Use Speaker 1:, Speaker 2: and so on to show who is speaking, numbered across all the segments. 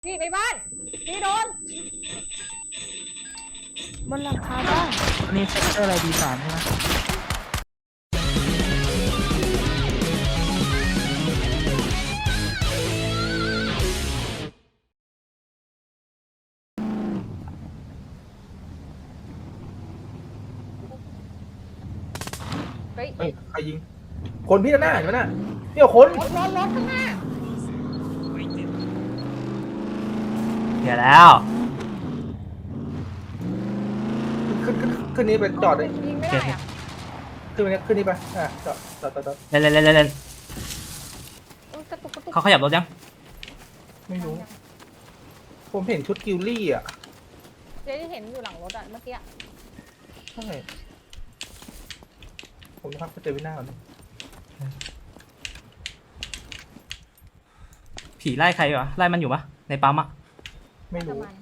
Speaker 1: พี่ในบ้านพี่โดน
Speaker 2: บนหลังคาบ้าน
Speaker 3: อันนี้เซกเตอร์อะไรD3ใช่ไหม
Speaker 1: เฮ้ย
Speaker 4: เฮ้ยใครยิงคนพี่ด้านหน้าเห็นไหมน่ะเดี๋ยวคน
Speaker 1: รถข้างหน้า
Speaker 3: เดี๋ยวแล้ว
Speaker 4: ขึ้นนี้ไปจอดเลย
Speaker 1: ยิงไม่ได้อะ
Speaker 4: ขึ้นนี้ไปจอด
Speaker 3: เล่น
Speaker 1: กระตุกกระตุก
Speaker 3: เขาขยับรถยัง
Speaker 4: ไม่รู้ ผมเห็นชุดกิลลี่อ่ะ
Speaker 1: เจ๊ที่เห็นอยู่หลังรถอะเมื่อกี้
Speaker 4: ใช่ผมจะพักไปเจอวินาก่อน
Speaker 3: ผีไล่ใครวะไล่มันอยู่ปะในปั๊มอะ
Speaker 4: ไม่
Speaker 1: ประ
Speaker 4: รู้
Speaker 1: มาณ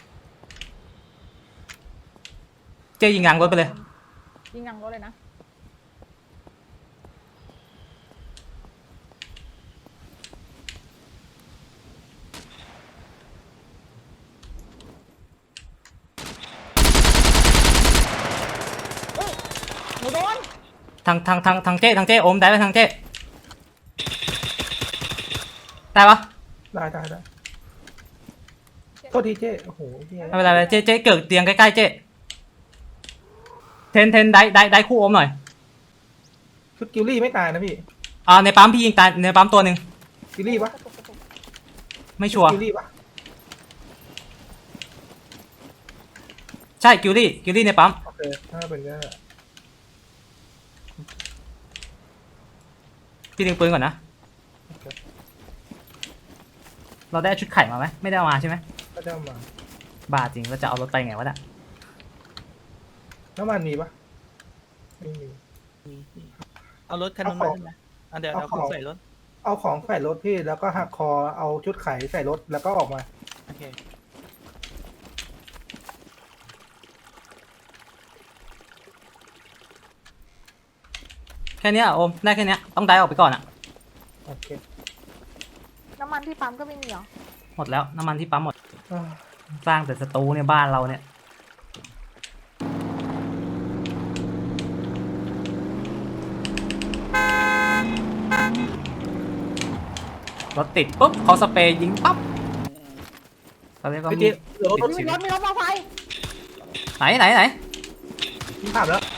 Speaker 3: เจ๊ยิงยางรถไปเลย
Speaker 1: ยิงหลังรถเลยนะหนูโดน
Speaker 3: ทางเจ๊โอมได้ไหมทางเจ๊ได้ปะ
Speaker 4: ได้โทษทีเจ้โอ้โหเหี้ย
Speaker 3: ไม่เป็นไรเจ๊เกิดเตียงใกล้ๆเจ๊เทนได้คู่โอมหน่อย
Speaker 4: ชุดกิลลี่ไม่ตายนะพี่
Speaker 3: ในปั๊มพี่ยิงตายในปั๊มตัวหนึ่ง
Speaker 4: กิลลี่ปะ
Speaker 1: กระตุกกระตุก
Speaker 3: ไม่ชัวร์
Speaker 4: กิลลี่ปะ
Speaker 3: ใช่กิลลี่ในปั๊ม
Speaker 4: โอเคถ้าเป็นก็
Speaker 3: พี่ดึงปืนก่อนนะเราได้ชุดไข่มาไหมไม่ได้เอามาใช่ไหม
Speaker 4: ก็จะมา
Speaker 3: บ้าจริงเราจะเอารถไปไงวะน่ะ
Speaker 4: น้ำมันมีปะไม่มี
Speaker 5: เอารถคันนู้นมาใช่ไหมเดี๋ยวเอาของใส่รถ
Speaker 4: เอาของใส่รถพี่แล้วก็หักคอเอาชุดไขใส่รถแล้วก็ออกมา
Speaker 5: โอเค
Speaker 3: แค่เนี้ยโอมได้แค่เนี้ยต้องได้ออกไปก่อนอะ
Speaker 4: โอเค
Speaker 1: น้ำมันที่ปั๊มก็ไม่มีเหรอ
Speaker 3: หมดแล้วน้ำมันที่ปั๊มหมด
Speaker 4: อ่า
Speaker 3: สร้างแต่สตูเนี่ยบ้านเราเนี่ยรถติดปุ๊บเขาสเปรย์ยิงปั๊บเขาเรียกว่า
Speaker 4: พี่
Speaker 3: มี
Speaker 4: เจ๊เดี๋ยวรถ
Speaker 1: มีรถมอไซค์
Speaker 3: ไหน
Speaker 4: พี่ผ่านแล้ว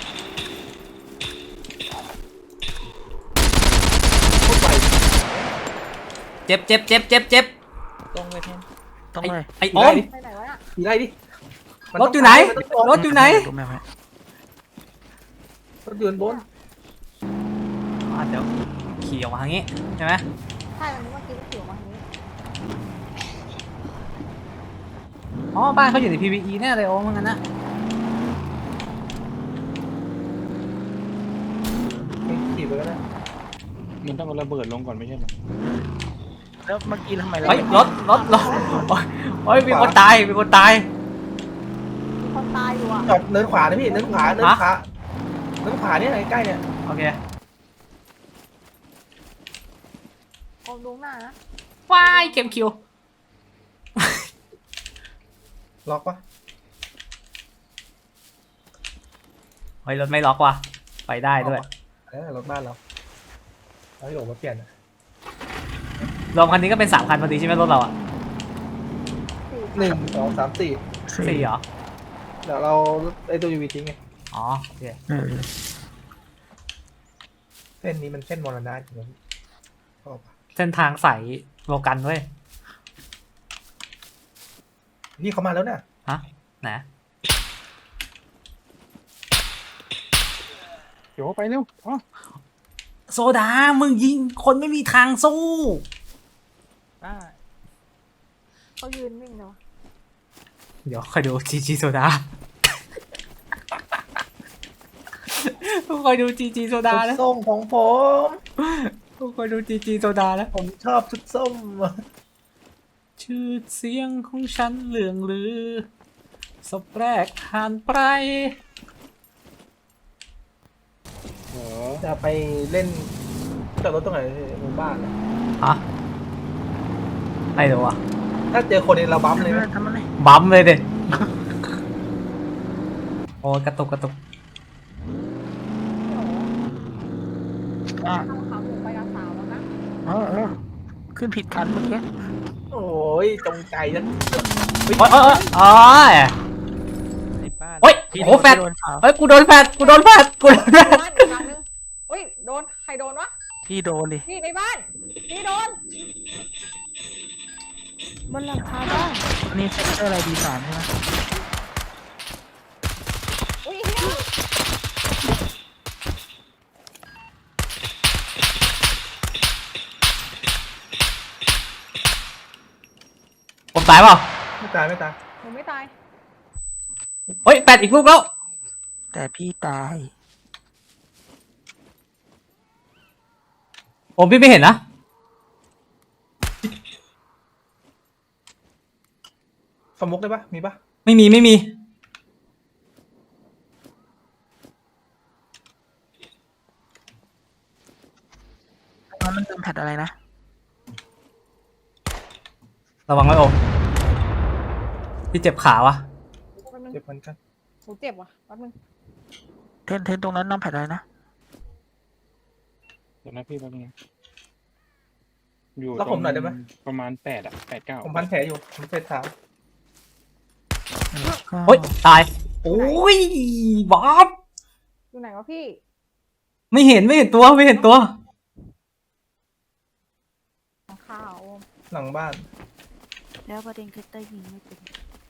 Speaker 4: โคตรไว
Speaker 3: เจ็บ
Speaker 5: ตรงไปเทนตรง
Speaker 3: ไอ้
Speaker 5: ไป
Speaker 3: ไอ้โอม
Speaker 1: ไปไหนวะน่ะ
Speaker 4: ขี่ไล่ดิมัน
Speaker 3: ร
Speaker 4: ต้
Speaker 3: ถอยู่ไหน
Speaker 4: มันต้อง
Speaker 3: รถอยู่ไหน
Speaker 5: ตรงแม่ไหม
Speaker 4: รถยืนบน
Speaker 3: เดี๋ยวขี่ออกมาทางนี้ใช่ไหม
Speaker 1: ใช่วันนี้เมื่อกี้ก็ขี่ออกมาทางนี้
Speaker 3: อ๋อบ้านเขาอยู่ใน PVE แน่เลยโอมเหมือนกันนะ
Speaker 4: ขี่ไปก็ได้
Speaker 6: มันต้องเอาระเบิดลงก่อนไม่ใช่เหรอ
Speaker 5: แล้วเมื่อกี้ทำไมเรา
Speaker 3: เฮ้ยรถโอ้ยมีคนตาย
Speaker 1: มีคนตายอยู่อ่ะ
Speaker 4: จอดเนินขวานะพี่เนินขวาเนินขวาเนี่ยใกล้ๆเนี่ย
Speaker 3: โอเค
Speaker 1: โอมดูหน้านะ
Speaker 3: ว้ายเก็บคิว
Speaker 4: ล็อกปะ
Speaker 3: เฮ้ยรถไม่ล็อกว่ะไปได้ด้วย
Speaker 4: รถบ้านเราเราหลบมาเปลี่ยน
Speaker 3: รวมคันนี้ก็เป็น3 คันพอดีใช่ไหมรถเราอ่ะ
Speaker 4: 1 2 3 4
Speaker 3: 4เหรอ
Speaker 4: เดี๋ยวเราไอ้ตัวยูวีทิ้งไง
Speaker 3: อ๋อโอเค
Speaker 4: เส้นนี้มันเส้นมรณะจริงๆชอบ
Speaker 3: เส้นทางสายโลกันเว้ย
Speaker 4: นี่เขามาแล้วเนี่ย
Speaker 3: ฮะไหน
Speaker 6: เดี๋ยวไปเร็วอ๋อ
Speaker 3: โซดามึงยิงคนไม่มีทางสู้
Speaker 5: ได้
Speaker 1: เขายืนวิ่งเลยวะ
Speaker 3: เดี๋ยวคอยดูจีโซดาคอยดูจีโซดา
Speaker 4: ชุด
Speaker 3: นะ
Speaker 4: ส้มของผม
Speaker 3: คอยดูจีโซดานะ
Speaker 4: ผมชอบชุดส้ม
Speaker 3: ชื่อเสียงของฉันเลื่องลือศพแรกผ่านไป
Speaker 6: เหรอ
Speaker 4: จะไปเล่นจอดรถตรงไหนหมู่บ้าน
Speaker 3: ฮะไม่รู้อ่ะ
Speaker 4: เถ้าเจอคนนี้เราบั๊มเลยนะ
Speaker 5: ทำมันเลย
Speaker 3: บั๊มเลยเด็โอ้ยกระตุกกระตุก
Speaker 5: อ่ะ
Speaker 1: ทำขาหมูไปกับสาวแล้วนะ
Speaker 5: ขึ้นผิดคันเมื่อกี้
Speaker 4: โอ้ยจงใจนะ
Speaker 3: โอ้ยโอ้ยโอ้ย
Speaker 5: ในบ้าน
Speaker 3: โอ้ย
Speaker 5: พี่
Speaker 3: โอ้โหแฟด
Speaker 5: โดนเขา
Speaker 3: เฮ้ยกูโดนแฟดกูโดนแฟดกูโดนแฟด
Speaker 1: บ้านอีกหลังนึงอุ้ยโดนใครโดนวะ
Speaker 5: พี่โดนดิ
Speaker 1: นี่ในบ้านนี่โดน
Speaker 2: บนหลังคาบ้าน
Speaker 5: อันนี้เซ็นเตอร์อะไรดีสามใช่ไหม
Speaker 1: อุ้ยเฮีย
Speaker 3: ผมตายเปล่า
Speaker 4: ไม่ตายไม่ตาย
Speaker 1: หนูไม่ตาย
Speaker 3: เฮ้ยแฟดอีกลูกแล้ว
Speaker 5: แต่พี่ตาย
Speaker 3: ผมพี่ไม่เห็นนะ
Speaker 4: สมุกได้ปะมีปะ
Speaker 3: ไม่มีไม่มี
Speaker 5: ตอนนั้นเติมแพทอะไรนะ
Speaker 3: ระวังไว้โอมพี่เจ็บขาวะ
Speaker 1: แป๊บนึง
Speaker 4: เจ็บเหมือนกัน
Speaker 1: หนูเจ็บว่ะแป๊บนึง
Speaker 5: เทนตรงนั้นน้ำแพทอะไรนะ
Speaker 6: เดี๋ยวนะพี่แป๊บนึงนะอยู่
Speaker 4: แล้วผมหน่อยได้ไหม
Speaker 6: ประมาณ8 อ่ะ 8 9
Speaker 4: ผมพันแผลอยู่ผมเสร็จเท้า
Speaker 3: โอ้ยตายโอ้ยบ๊อบ
Speaker 1: อยู่ไหนวะพี่
Speaker 3: ไม่เห็นไม่เห็นตัวไม่เห็นตัว
Speaker 1: ข้าว
Speaker 4: หลังบ้าน
Speaker 2: แล้วประเด็นคือเต้ยยิงไม่เป็น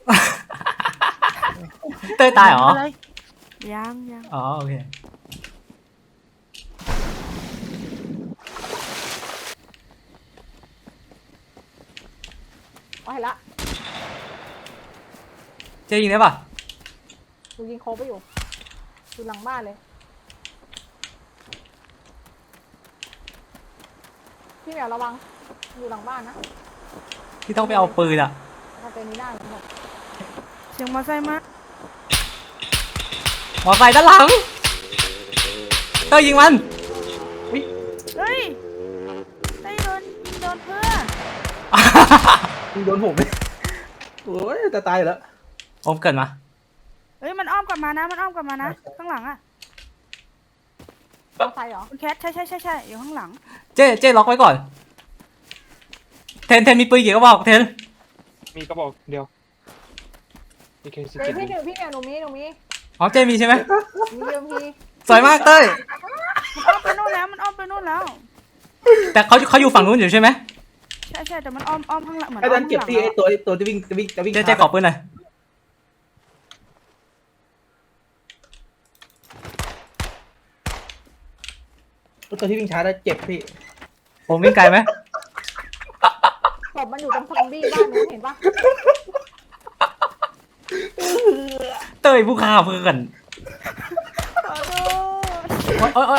Speaker 3: เต้ยตายเหรอ
Speaker 5: ะไ
Speaker 2: ยังยัง
Speaker 3: อ๋อโอเค
Speaker 1: เอาเห็นละ
Speaker 3: เจ๊ยิงได้ป่ะ
Speaker 1: หนูยิงโคไปอยู่อยู่หลังบ้านเลยพี่เหมียวระวังอยู่หลังบ้านนะ
Speaker 3: พี่ต้องไปเอาปืนอะ
Speaker 1: ถ้าเป็นนี้ได้หมด
Speaker 2: เสียงมอไซค์มา
Speaker 3: หมอไซค์ด้านหลังเต้ยยิงมัน
Speaker 2: เฮ้ยเต้ยโดนเพื่อ
Speaker 4: ยิงโดนผมเลยโอ้ยจะตายอยู่แล้ว
Speaker 3: ผมเกิดมา
Speaker 2: เฮ้ยมันอ้อมกลับมานะมันอ้อมกลับมานะข้างหลังอ่ะ
Speaker 1: มอไซค์เหรอ
Speaker 2: คุณแคทใช่อยู่ข้างหลัง
Speaker 3: เจ๊ล็อกไว้ก่อนเทนมีปืนกี่กระบอกเทน
Speaker 6: มีกระบอกเดียวมีเคส
Speaker 1: เดี๋ยว
Speaker 6: 17
Speaker 1: พี่เหมียวหนูมี
Speaker 3: อ๋อเจ๊มีใช่ไหม
Speaker 1: มีเดิมที
Speaker 3: สวยมากเต้ย
Speaker 2: มันอ้อมไปนู่นแล้ว
Speaker 3: แต่เขาอยู่ฝั่งนู้นอยู่ใช่ไหม
Speaker 2: ใช่แต่มันอ้อมข้างหลังเหมือน
Speaker 4: ไอ้
Speaker 2: อ้อ
Speaker 4: ดั
Speaker 2: ม
Speaker 4: นเก็บ
Speaker 2: ข้างหลัง
Speaker 4: ที่ไอ้ตัวจะวิ่ง
Speaker 3: เจ๊ขอปืนหน่อย
Speaker 4: ตัวที่วิ่งช้าแล้วเจ็บพี่
Speaker 3: ผมวิ่งไกลไหม
Speaker 1: ศพมันอยู่ตรงซอมบี้บ้านนู้นเห็นปะ
Speaker 3: เต้ยผู้ฆ่าเพื่อน
Speaker 2: ขอโทษ
Speaker 3: โอ๊ย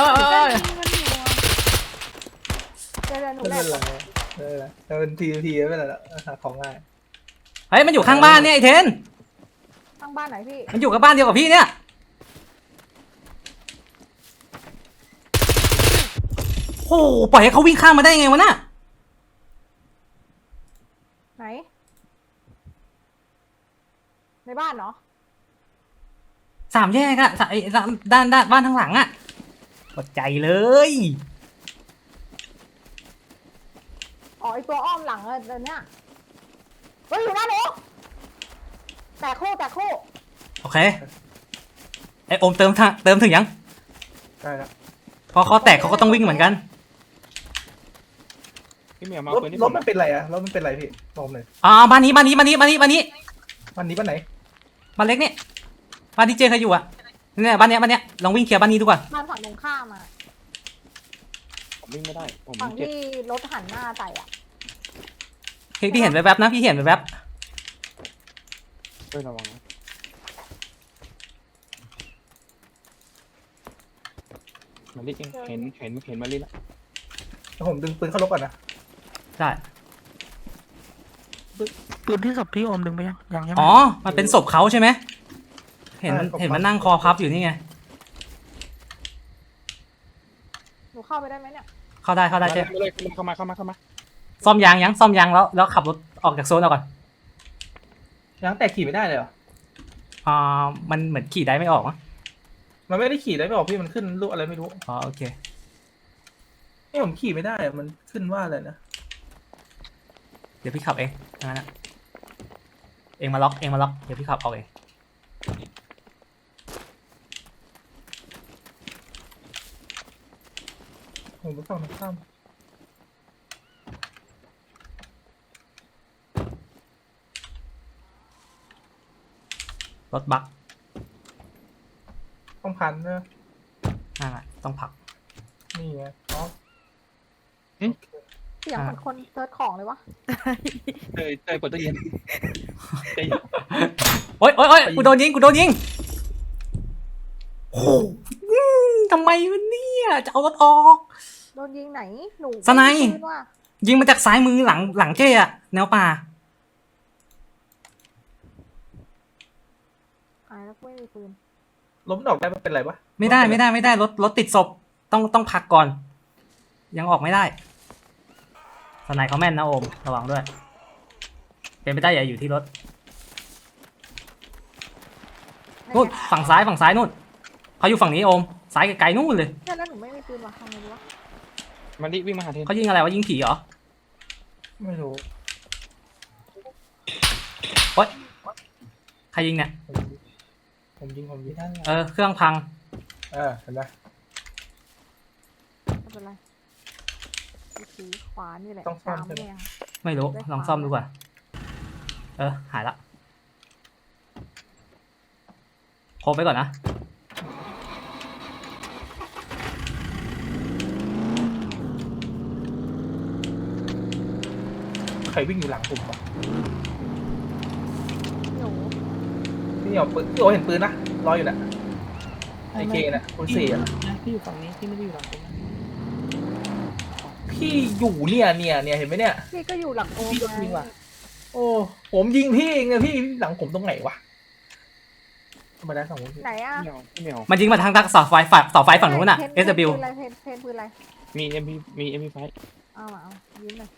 Speaker 2: เต้ยยิงมันอยู่อะ
Speaker 1: เดี๋ยวหนู
Speaker 4: ไม่
Speaker 1: แบ
Speaker 4: เป็น
Speaker 1: บ
Speaker 4: ไรไม่เป็นไรแต่เป็นทีไม่เป็นไรละหาของง่าย
Speaker 3: เฮ้ยมันอยู่ข้างบ้านเนี่ยไอ้เทน
Speaker 1: ข้างบ้านไหนพี่
Speaker 3: มันอยู่กับบ้านเดียวกับพี่เนี่ยโอ้โหปล่อยให้เขาวิ่งข้ามมาได้ไงวะน่ะ
Speaker 1: ไหน ในบ้านเนาะ
Speaker 3: สามแยกอะด้านบ้านทางหลังอะกดใจเลย
Speaker 1: อ๋อไอตัวอ้อมหลังเดี๋ยวนี้เฮ้ยอยู่หน้าหนูแตกคู่
Speaker 3: โอเคไอโอมเติมถึงยัง
Speaker 4: ได้แล้ว
Speaker 3: พอเขาแตกเขาก็ต้องวิ่งเหมือนกัน
Speaker 6: พี่เหมียวมาเอาปืนที่
Speaker 4: ร
Speaker 6: ผ
Speaker 4: ถ
Speaker 6: ม
Speaker 4: มันเป็นไรอะรถมันเป็นไรพี่บอกเลย
Speaker 3: บ้านนี้บ้านไหน
Speaker 4: บ้านนี้
Speaker 3: บ้านเล็กเนี่ยบ้านที่เจเคยอยู่อะเนี่ยบ้านเนี้ยลองวิ่งเคลียร์บ้านนี้ดูก่อน
Speaker 1: บ้านฝั่งตรงข้ามอะ
Speaker 6: ผมวิ่งไม่ได้ผม
Speaker 1: ฝั่ง
Speaker 6: เจ็บ
Speaker 1: ที่รถหันหน้าใส่อะ
Speaker 3: พี่เห็นแวบๆนะพี่เห็นแวบ
Speaker 6: เต้ยระวังนะมาลิเองเห็นมาลิละ
Speaker 4: แล้วผมดึงปืนเข้ารถก่อนนะ
Speaker 3: ๆใช่
Speaker 5: ปืนที่ศพพี่โอมดึงไปยังใช่ไหม
Speaker 3: อ๋อมันเป็นศพเขาใช่ไหมเห็นมันนั่งคอพับอยู่นี่ไง
Speaker 1: หนูเข้าไปได้ไหมเนี่ย
Speaker 3: เข้าได้เจ
Speaker 6: มาเลยเข้ามา
Speaker 3: ซ่อมยางแล้วขับรถออกจากโซนเอาก่อน
Speaker 4: ยางแตกขี่ไม่ได้เลยเหรอ
Speaker 3: มันเหมือนขี่ได้ไม่ออกมั้ง
Speaker 4: มันไม่ได้ขี่ได้ไม่ออกพี่มันขึ้นรูปอะไรไม่รู้
Speaker 3: อ๋อโอเค
Speaker 4: นี่ผมขี่ไม่ได้อะมันขึ้นว่าอะไรนะ
Speaker 3: เดี๋ยวพี่ขับเองงั้นนะเองมาล็อกเดี๋ยวพี่ขับออกเอง
Speaker 4: ผมไปฝั่งตรงข้าม
Speaker 3: รถบัก
Speaker 4: ต้องพันนะ
Speaker 3: นั่นแหละต้องผลัก
Speaker 4: นี่ไงอ๋อ
Speaker 1: เสียงเหมือนคนเซิร์ชของเลยวะ
Speaker 6: เตยเปิดตู้เย็นเตย
Speaker 3: โอ๊ยกูโดนยิงโอ้โหทำไมวะเนี่ยจะเอารถออก
Speaker 1: โดนยิงไหนหนู
Speaker 3: สไนป์
Speaker 1: ม่มีปืว่ะ
Speaker 3: ยิงมาจากซ้ายมือหลังเจ้อะแนวป่า
Speaker 1: แล้วไม่มีปืน
Speaker 4: ล้มดอกได้มันเป็นไรปะ
Speaker 3: ไม่ได้รถติดศพต้องผลักก่อน ยังออกไม่ได้สไนเขาแม่นนะโอมระวังด้วย เป็นไปได้อย่าอยู่ที่รถนู่นฝั่งซ้ายนู่นเขาอยู่ฝั่งนี้โอมซ้ายไกลๆนู่นเลย
Speaker 1: ใช่แล้วหนูไม่มีปืนว่ะทำไงดีวะ
Speaker 6: มาดิวิ่งมาหาเทน
Speaker 3: เขายิงอะไรวะยิงผีเหรอ
Speaker 4: ไม่รู้
Speaker 3: ใครยิงเนี่ย
Speaker 4: ผมยิง
Speaker 3: เครื่องพัง
Speaker 4: เห็นไหม
Speaker 1: ไม่เป็นไรวิธีขวานี่แหละ
Speaker 4: ต้องซ่อม
Speaker 1: สาม
Speaker 4: ใช่ไหม
Speaker 1: แยง
Speaker 3: ไม่รู้ลองซ่อมดูก่อนหายละโคบไปก่อนนะ
Speaker 4: ใครวิ่งอยู่หลังผมวะ
Speaker 1: หนู
Speaker 4: พี่เอาปืนพี่โอเห็นปืนนะรออยู่น่ะไอเคน่ะคุณสี่อะ
Speaker 5: พี่อยู่ฝั่งนี้พี่ไม่ได้อยู่หลังผมนะ
Speaker 4: พี่อยู่เนี่ยเห็นไหมเนี่ย
Speaker 1: พี่ก็อยู่หลังโอม
Speaker 4: พี่โดน
Speaker 1: ไง
Speaker 4: ยิงว่ะ โอ้ผมยิงพี่เองอะพี่หลังผมตรงไหนวะธรรมดาสองคน
Speaker 1: ไหนอ่ะ
Speaker 6: เหนียว
Speaker 3: มันยิงมาทางเสาไฟฝั่งนู้นน่ะ SW
Speaker 1: เพนปืนอะไรเพนปืนอะไร
Speaker 6: มีเอ็มพีไฟ
Speaker 1: เอามาเอายิ้มเลย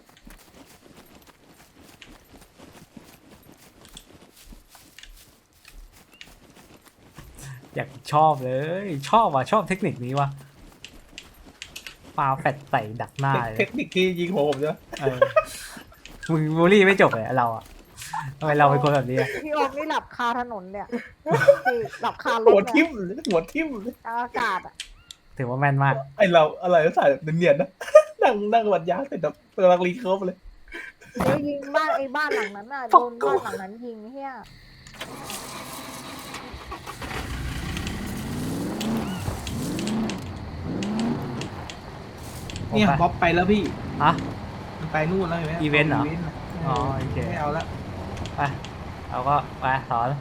Speaker 3: อยากชอบเลยชอบเทคนิคนี้ว่ะปาแฟดใส่ดักหน้าเล
Speaker 4: เท
Speaker 3: ย
Speaker 4: คนิคที่ยิงหัวผมใช่ไหม
Speaker 3: มึงบูลลี่ไม่จบเลยเราอะทำไมเราเป็นคนแบบนี้อะ
Speaker 1: พี่โอมนี่หลับคาถนนเนี่ยพี่หลับคาร
Speaker 4: หัว
Speaker 1: ถ
Speaker 4: ทิ่
Speaker 1: เนี่ย
Speaker 4: มหัวทิ่ม
Speaker 1: กลางอากาศอ่ะ
Speaker 3: ถือว่าแม่นมาก
Speaker 4: ไอเราอะไรก็ใส่แบบเนียนๆนะ นั่งวัดยาเสร็จแบบกำลังรีเคิร์ฟเลย
Speaker 1: เดี๋ยวยิงบ้านไอ้บ้านหลังนั้นน่ะโดนบ้านหลังนั้นยิงเฮีย
Speaker 4: เนี่ยบ๊อบไปแล้วพี่
Speaker 3: ฮะ
Speaker 4: มันไปนู่นแล้วเห็นไหม
Speaker 3: อีเวนต์เหรอ
Speaker 4: ะ
Speaker 3: อ๋อโอเค
Speaker 4: ไม่เอาละ
Speaker 3: ไปเราก็ไปสอน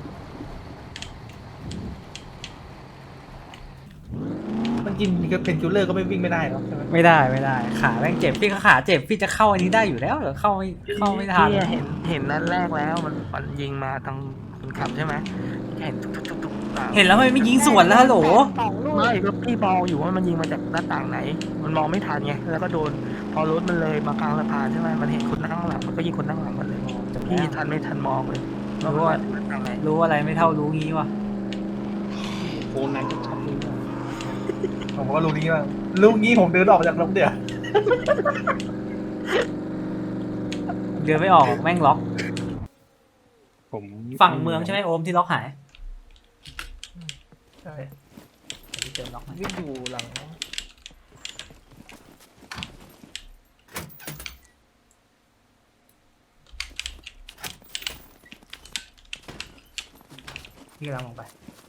Speaker 4: มันกินเป็นคิลเลอร์ก็ไม่วิ่งไม่ได้หรอกใช่ไหม
Speaker 3: ไม่ได้ขาแม่งเจ็บพี่ก็ขาเจ็บพี่จะเข้าอันนี้ได้อยู่แล้วเหรอเข้าไม่ทัน
Speaker 5: พี่เห็นนัดแรกแล้วมันยิงมาทางคนขับใช่ไหมเห็นทุกๆ
Speaker 3: เห็นแล้วทำไมไม่ยิงสวนแล้วฮัลโหล
Speaker 1: สองลูก
Speaker 5: ไม่ก็พี่มองอยู่ว่ามันยิงมาจากหน้าต่างไหน มันมองไม่ทันไงแล้วก็โดนพอรถมันเลยมากลางสะพานใช่ไหมมันเห็นคนนั่งหลังมันก็ยิงคนนั่งหลังมันเลยพี่ทันไม่ทันมองเลยว่ามันมาจากหน้าต่างไหน
Speaker 3: รู้อะไรไม่เท่ารู้งี้ว่ะ
Speaker 6: โคนันชัดๆเลย
Speaker 4: ผมก็รู้นี้บ้างรู้งี้ผมเดินออกมาจากรถเดี๋ยว
Speaker 3: เดินไม่ออกแม่งล็อก
Speaker 6: ผม
Speaker 3: ฝั่งเมืองใช่ไหมโอมที่ล็อกหาย
Speaker 4: ใช่
Speaker 3: เจอล็อกไหม
Speaker 4: วิ่งอยู่หลัง
Speaker 3: พี่กำลังลงไป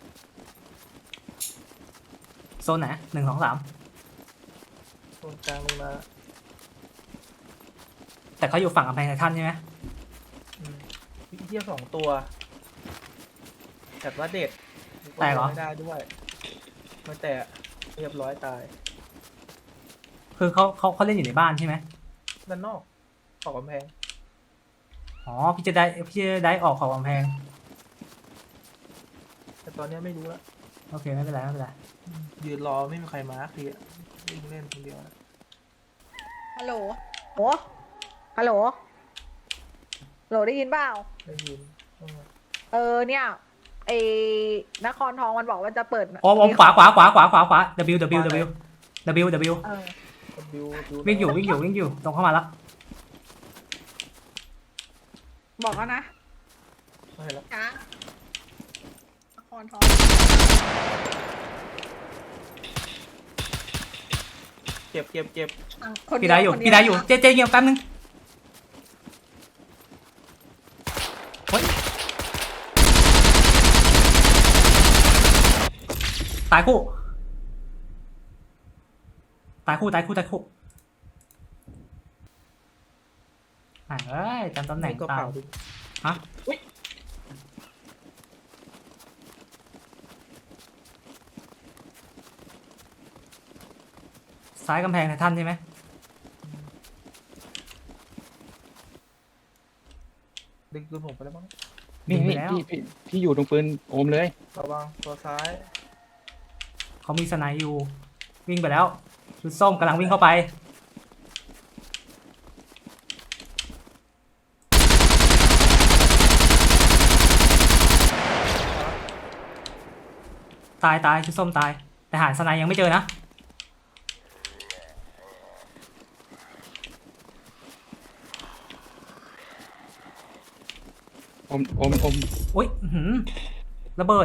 Speaker 3: โซนไหน1 2 3
Speaker 4: ตรงกลางลงมา
Speaker 3: แต่เขาอยู่ฝั่งกำแพงไททันใช่ไหม
Speaker 4: พี่เทียบ2 ตัวแต่ว่าเด็ด
Speaker 3: แตกเหรอ
Speaker 4: ไม่ได้ด้วยไม่แตกเรียบร้อยตาย
Speaker 3: คือเขาเล่นอยู่ในบ้านใช่ไหม
Speaker 4: ด้านนอกออกกำแพง
Speaker 3: อ๋อพี่จะได้ออกขอบกำแพง
Speaker 4: แต่ตอนนี้ไม่รู้แล้ว
Speaker 3: โอเคไม่เป็นไร
Speaker 4: ยืนรอไม่มีใครมาร์คทีวิ่งเล่นคนเดียวนะ
Speaker 1: ฮัลโหลโอ้ฮัลโหลโหลได้ยินเปล่า
Speaker 4: ได้ยิน
Speaker 1: เนี่ยไอ้นครทองมันบอกว่าจะเปิด
Speaker 3: โอมขวาW W W W W
Speaker 1: เออ
Speaker 3: วิ่งอยู่ตรงเข้ามาแล้ว
Speaker 1: บอกแล้วนะ
Speaker 4: ไม่แล้ว
Speaker 1: ช้างนครทอง
Speaker 4: เจ็บ
Speaker 1: คน
Speaker 3: พี่ได้อยู่
Speaker 1: คนเว
Speaker 3: พี่ได้อยู่เจเงียบแป๊บนึงเฮ้ยตายคู่เอ้ยจำตำแหน่ง
Speaker 4: ก็
Speaker 3: ตา
Speaker 4: เปล่าม ดิ
Speaker 3: ฮะ
Speaker 4: อุ๊ย
Speaker 3: ซ้ายกำแพงไททันใช่ไหม
Speaker 4: ดึงปืนผมไปแล้วมั้ง
Speaker 6: นี่
Speaker 3: ยิงไป
Speaker 6: นี่
Speaker 3: แล้ว
Speaker 6: พี่อยู่ตรงปืนโอมเลย
Speaker 4: ระวังตัวซ้าย
Speaker 3: เขามีสไนด์อยู่วิ่งไปแล้วชุดส้มกำลังวิ่งเข้าไปตายชุดส้มตายแต่หาสไนด์ยังไม่เจอนะ
Speaker 6: โอม
Speaker 3: อุ๊ยอื้อหือระเบิด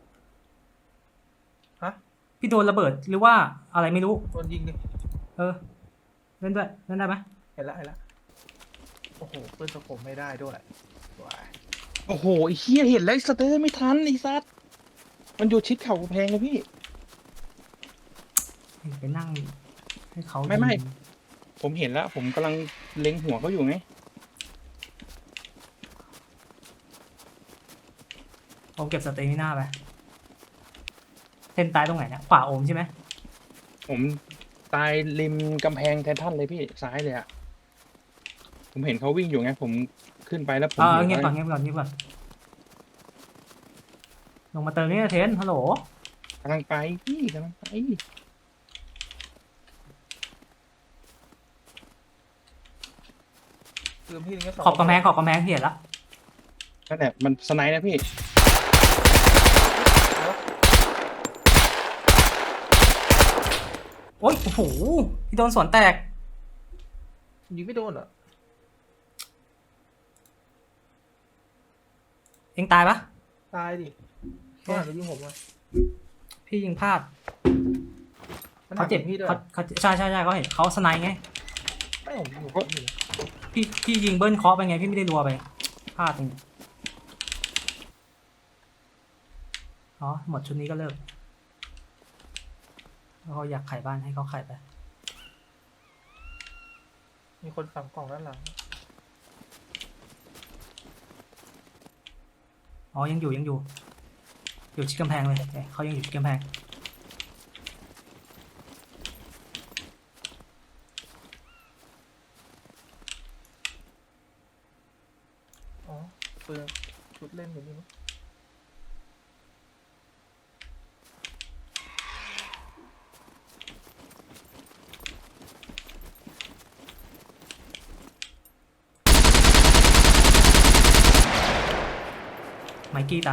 Speaker 4: ฮะ
Speaker 3: พี่โดนระเบิดหรือว่าอะไรไม่รู้
Speaker 4: โดนยิงดิ
Speaker 3: เออเล่นด้วยเล่นได้ไหม
Speaker 4: เห็นละโอ้โหปืนสโคปไม่ได้ด้วยว้าย
Speaker 6: โอ้โหไอ้เหี้ยเห็นแล้วไอ้สเตอร์ไม่ทันไอ้ซัดมันอยู่ชิดเข่ากำแพงเลยพี่
Speaker 3: ไปนั่งให้เขา
Speaker 6: ไม่
Speaker 3: ยิง
Speaker 6: ผมเห็นแล้ว ผมกำลังเล็งหัวเขาอยู่ไง
Speaker 3: ผมเก็บสเตมิน่าไปเทนตายตรงไหนเนี่ยขวาโอมใช่ไหม
Speaker 6: ผมตายริมกำแพงไททันเลยพี่ซ้ายเลยอะผมเห็นเขาวิ่งอยู่ไงผมขึ้นไปแล้วผม
Speaker 3: เงียบก่อนลงมาเติมนี่นะเทนฮัลโหล
Speaker 6: กำลังไปพี่กำลังไป
Speaker 4: ปืนพี่นึงก็สอง
Speaker 3: ขอบกำแพงเห็นละ
Speaker 6: นั่นแหละมันสไนด์นะพี่
Speaker 3: โอ๊ยโอ้โหพี่โดนสวนแตก
Speaker 4: ยิงไม่โดนเหรอ
Speaker 3: เองตายปะ
Speaker 4: ตายดิเขาหันมายิงผมเลย
Speaker 3: พี่ยิงพลาด
Speaker 4: มัน
Speaker 3: เขา
Speaker 4: หัน
Speaker 3: เจ็บ
Speaker 4: ยิงพี่ด้วย
Speaker 3: เขาใช่เขาเห็นเขาสไนด์ไง
Speaker 4: ไม่ผมยิงผมอยู่
Speaker 3: พี่ยิงเบิ้ลเคาะไปไงพี่ไม่ได้รัวไปพลาดเองอ๋อหมดชุดนี้ก็เลิกแล้วเขาอยากขายบ้านให้เขาขายไป
Speaker 4: มีคนฝังกล่องด้านหลัง
Speaker 3: อ๋อยังอยู่อยู่ชิดกำแพงเลยโอเคเขายังอยู่ชิดกำแพง
Speaker 4: อ๋อปืนชุดเล่นอยู่นี่มั้ง
Speaker 3: ไมกี้ตาย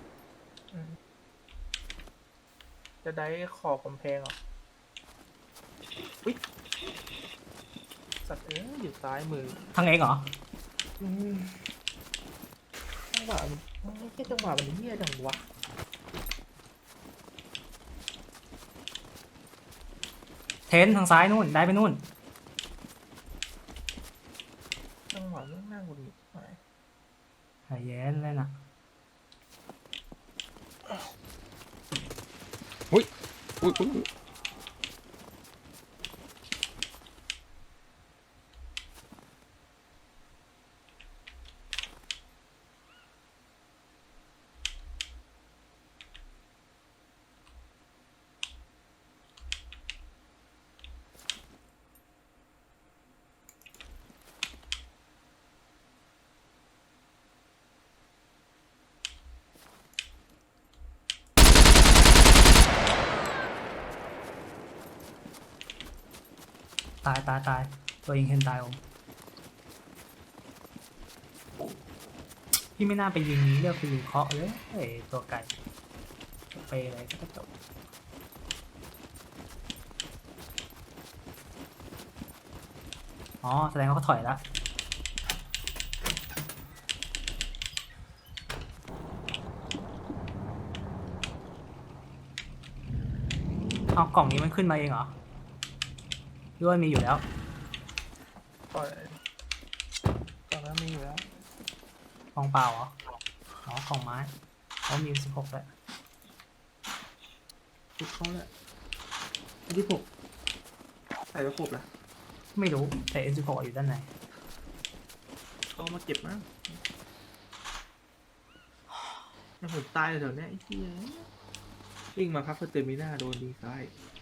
Speaker 4: จะได้ขอบกำแพงเหรออุ๊ยสัตว์อยู่ซ้ายมือ
Speaker 3: ทางเองเหรอ
Speaker 4: จังหวะมันไม่ใช่จังหวะมันเหี้ยจังวะ
Speaker 3: เทนทางซ้ายนู่นได้ไปนู่น
Speaker 4: จังหวะมันน่าหงุดหงิดไป
Speaker 3: ใจเย็นเลยนะ
Speaker 6: อุ้ย
Speaker 3: ตายตัวเองเห็นตายผมพี่ไม่น่าไปยิงเลือกไปยิงเคาะเลยเอ้ยตัวไก่ไปอะไรก็จบอ๋อแสดงว่าเขาถอยแล้วเอากล่องนี้มันขึ้นมาเองเหรอหรือว่ามีอยู่แล้ว
Speaker 4: ปล่อย
Speaker 5: ตอนนั้นมีอยู่แล้ว
Speaker 3: กล่องเปล่าเหรออ๋อกล่องไม้เขามี16แล้ว
Speaker 7: ชุดเขาแหละอันที่6ใส่กระครบละ
Speaker 3: ไม่รู้แต่ N16 อยู่ด้านใน
Speaker 7: เขามาเก็บมั้งแล้วผมตายแถวเนี้ยไอ้เหี้ยวิ่งมาครับสเตมิน่าโดนดีซ้าย